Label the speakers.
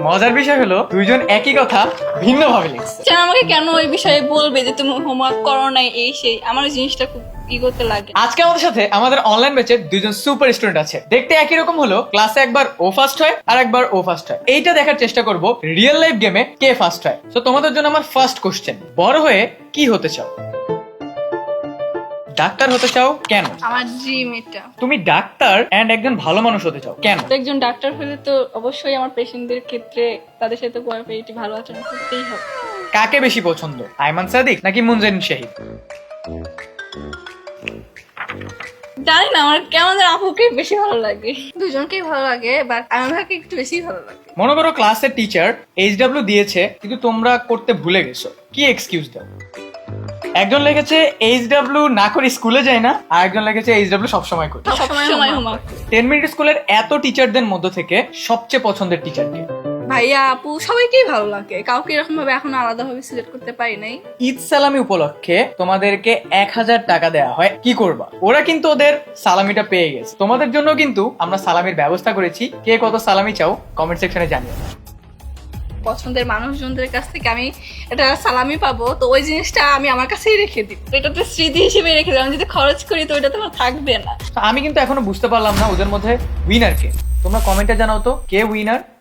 Speaker 1: মজার বিষয় হলো দুইজন একই কথা ভিন্ন ভাবে লিখছে।
Speaker 2: আচ্ছা, আমাকে কেন ওই বিষয়ে বলবে যে তুমি হোমওয়ার্ক করো নাই এই সেই, আমার ওই জিনিসটা খুব ইগোতে লাগে।
Speaker 1: আজকে আমাদের সাথে আমাদের অনলাইন ব্যাচের দুইজন সুপার স্টুডেন্ট আছে। দেখতে একই রকম হলো, ক্লাসে একবার ও ফার্স্ট হয় আর একবার ও ফার্স্ট হয়। এইটা দেখার চেষ্টা করব রিয়েল লাইফ গেমে কে ফার্স্ট হয়। তো তোমাদের জন্য আমার ফার্স্ট কোশ্চেন, বড় হয়ে কি হতে চাও? ডাক্তার হতে চাও কেন?
Speaker 2: আমার ড্রিম এটা।
Speaker 1: তুমি ডাক্তার এন্ড একজন ভালো মানুষ হতে চাও কেন?
Speaker 2: তো একজন ডাক্তার হলে তো অবশ্যই আমার পেশেন্টদের ক্ষেত্রে তাদের সাথে কোঅপারেটিভ ভালো আচরণ করতেই হবে।
Speaker 1: কাকে বেশি পছন্দ, আইমান সাদিক নাকি মুনজাইন শাহিদ?
Speaker 2: জানি না, আমার কেমন যেন আপুকে বেশি ভালো লাগে। দুজনকেই ভালো লাগে, বাট আমাকে একটু বেশি ভালো লাগে।
Speaker 1: মনে করো ক্লাসের টিচার এইচডব্লিউ দিয়েছে কিন্তু তোমরা করতে ভুলে গেছো, কি এক্সকিউজ দাও? একজন লিখেছে এইচডব্লিউ না করে স্কুলে যায় না, আর একজন লিখেছে এইচডব্লিউ সবসময় করে।
Speaker 2: সবসময় হোমওয়ার্ক।
Speaker 1: 10 মিনিট স্কুলের এত টিচারদের মধ্য থেকে সবচেয়ে পছন্দের টিচারকে?
Speaker 2: ভাইয়া আপু সবাইকেই ভালো লাগে, কাউকে এরকম ভাবে এখন আলাদা ভাবে সিলেক্ট করতে পারি নাই।
Speaker 1: ঈদ সালামি উপলক্ষে তোমাদেরকে 1000 টাকা দেওয়া হয়, কি করবা? ওরা কিন্তু ওদের সালামিটা পেয়ে গেছে, তোমাদের জন্য কিন্তু আমরা সালামির ব্যবস্থা করেছি। কে কত সালামি চাও কমেন্ট সেকশনে জানিও।
Speaker 2: পছন্দের মানুষজনদের কাছ থেকে আমি এটা সালামি পাবো, তো ওই জিনিসটা আমি আমার কাছেই রেখে দিব। এটা তো স্মৃতি হিসেবে রেখে দিলাম, যদি খরচ করি তো ওটা তো আমার থাকবে না।
Speaker 1: তো আমি কিন্তু এখনো বুঝতে পারলাম না ওদের মধ্যে উইনার কে। তোমরা কমেন্টে জানাও তো কে উইনার।